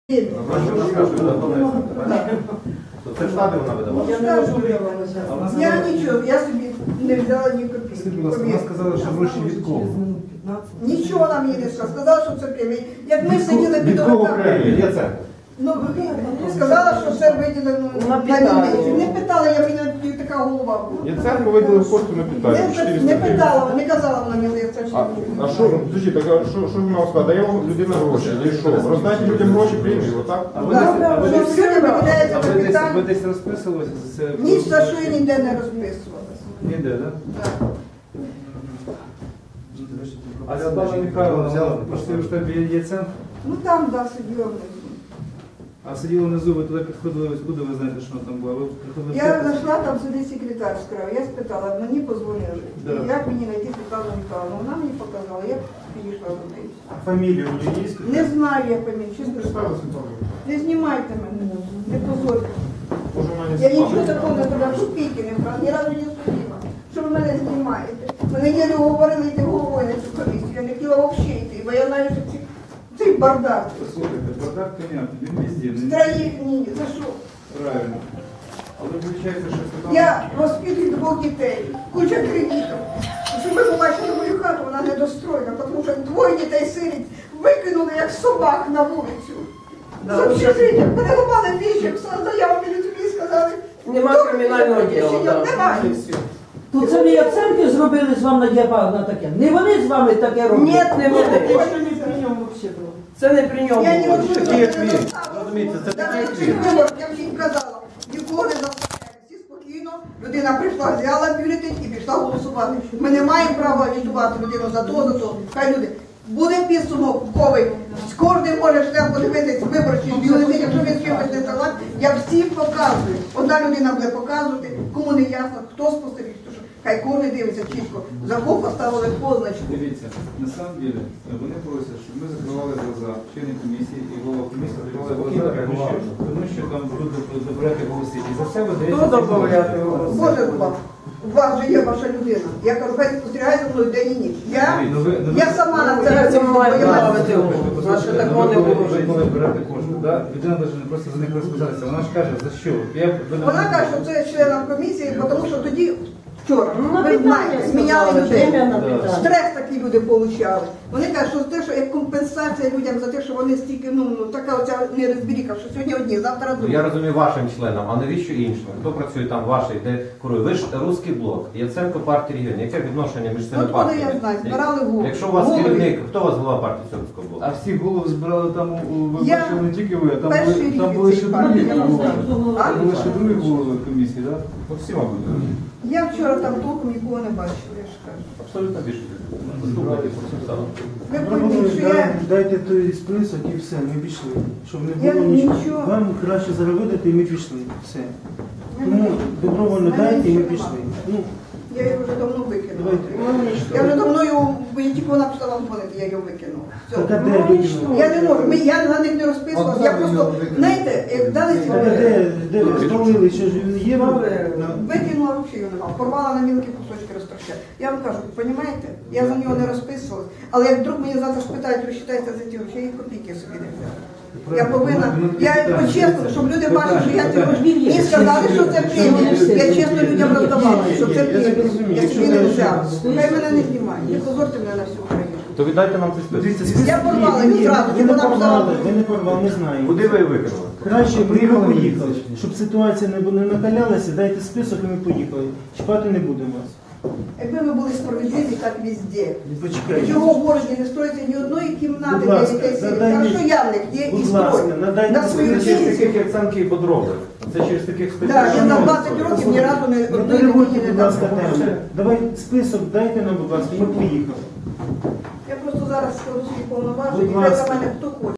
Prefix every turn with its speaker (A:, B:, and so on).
A: Це штати вона видавала?
B: Я нічого, я собі не взяла ні копійки.
C: Вона сказала, що гроші від кого?
B: Нічого нам їй не сказала. Сказала, що це премія. Як ми сиділи під
A: Від кого премія? Є це?
B: Ну, сказала, що це виділено на міліцію. Не питала, я мені така голова була.
C: Яценко виділив кошти на питання.
B: Не питала, не казала вона мені, це ж.
C: А що, слушай, так а що ви мав сказати? Дає вам людина гроші, і що? Роздайте людям гроші, премію, отак?
B: Ви
D: десь розписувалися за це?
B: Ні, за що я ніде не розписувалася.
D: Ніде, так?
B: Так.
D: А Світлана Михайловна, пошли в штабі Яценко?
B: Ну там, да, сиділа внизу.
D: А сиділа внизу, ви туди підходили, куди ви знаєте, що вона там була? Ви приходили?
B: Я зайшла, там сидить секретар справа, я спитала, мені позвонили.
D: Да.
B: Як мені знайти Світлану Михайловну? Вона мені показала, я підійшла до неї.
C: Фамілію у неї є?
B: Не знаю, я фамілію, чесно скажу. Не знімайте мене, не позорте. Я нічого такого не зробила, копійки не брала, ні разу не судила. Що ви мене знімаєте? Мене єлі говорили йти головою на цю комісію, я не хотіла взагалі йти, бо я знаю, що цей бардак.
D: Слухайте, бардак, понятно, він везде.
B: Троїх ні, за що?
D: Правильно. Але виходить, що Світлана...
B: Я воспитую двох дітей, куча кредитів. Щоб ви побачили мою хату, вона недостроєна, тому що двоє дітей сиріт викинули, як собак, на вулицю. З общежиття, переламали віщик, заяву мені тобі сказали.
E: Нема кримінального діла.
B: Немає.
E: То це ви Яценки зробили з вами на таке? Не вони з вами таке роблять?
B: Ні, не вони.
E: Це не при ньому.
B: Я не
E: було.
B: розумію.
A: Такий як він. Розумієте, це такий як він.
B: Я всім казала, нікого не заставляю. Всі спокійно, людина прийшла, взяла бюлетень і пішла голосувати. Ми не маємо права агітувати людину за то. Хай люди. Буде підсумок ковий. Кожен може шлях подивитись виборчий бюлетень, якщо він чимось не согласен, я всім показую. Одна людина буде показувати, кому не ясно, хто спостеріг, що хай кожен дивиться чітко. За кого поставили позначку.
D: Дивіться, на самом деле, вони просять, щоб ми закривали глаза, члени комісії і голова комісії закривали глаза, тому що там будуть добирати голоси. І за це видається...
E: Хто добавляти голоси?
B: Боже вам, у вас же є ваша людина. Я кажу, хай спостерігає за мною день і ніч. Я сама на це
E: Це
B: розумію, бо я
E: правити. Значить, такого не було в житті.
D: Збирати кошти, да? Людина навіть не просто за них розписатися. Вона ж каже, за що?
B: Вона каже, що це членам комісії, тому що тоді, вчора,
E: На
B: ви знаєте,
E: питання
B: зміняли людей.
E: питання.
B: Стрес такий люди отримали. Вони кажуть, що те, що як компенсація людям за те, що вони стільки, така оця нерозбіріка, що сьогодні одні, завтра другі.
A: Я розумію вашим членам, а навіщо іншим? Хто працює там ваший, де курує? Ви ж Руський блок, Яценко партія регіонів. Яке відношення між цими
B: От коли
A: партіями?
B: я знаю, збирали голови.
A: Якщо у вас керівник, хто у вас голова партії Руського блоку?
D: А всі голови збирали там, ви
B: Я
D: бачили не тільки ви, а
B: перший
D: там
B: рік
D: були
B: цій
D: ще
B: партії
D: другі голови.
B: А?
D: Там були ще другі голови комісії, так?
A: Ну, всі, мабуть.
B: Я вчора там толком нікого не бачила, я ж кажу.
A: Абсолютно більше. Заступники процесуали.
B: Ви пойміть, що я...
F: Дайте той список і все, ми пішли. Щоб не
B: Я
F: було нічого.
B: нічого.
F: Вам краще заробити і ми пішли. Все. Тому добровольно дайте і ми пішли. Ну,
B: Я її вже давно викинула.
F: давайте.
B: Я вже давно його, бо я тільки вона почала вам дзвонити, я його викинула. Все.
F: Так, а де викинули?
B: Я не можу, я на них не розписувалася, я просто, знаєте, як дали ці
F: Так, а де ви столили, що ж є?
B: викинула взагалі його нема, порвала на мілкі кусочки, розтрощала. Я вам кажу, розумієте, я за нього не розписувалася, але як вдруг мені завтра спитають, розчитайте за ті гроші, я їх копійки собі не взяла. Я повинна, я чесно, щоб люди бачили, що я це роблю. Мені сказали, що це премія. Я чесно людям роздавала, що це премія. Я собі не взяла. Хай мене не знімають, не позорте мене на всю Україну.
A: То віддайте нам цей список.
B: Я порвала
F: Ні,
B: відразу,
F: ви
B: щоб
F: не
B: вона
F: порвали,
B: взяла.
F: ви не порвали, не знаю.
A: Куди ви викинули?
F: Краще б ми поїхали. Щоб ситуація не накалялася, дайте список і ми поїхали. Чіпати не будемо вас.
B: Якби ми були справедливі, так везде.
F: Почекайте.
B: Чого в городі не строїться ні одної кімнати
F: Будь
B: для
F: ласка,
B: дітей сиріт.
F: надайте-
B: Хорошо, Явник є і
F: Будь ласка,
B: строй.
F: надайте
B: На свою
F: список.
A: Це через
B: пенсію.
A: таких Яценки і подроби. Це через таких
B: Так, я за
A: спеціалістів.
B: 20 років ні разу не
F: Не
B: одної
F: переводьте,
B: дитині не
F: будь ласка,
B: дала.
F: тему. Давай список дайте нам, будь ласка, ми поїхали.
B: Я просто зараз скажу свої повноваження,
F: Будь
B: і хай за
F: ласка.
B: мене хто хоче.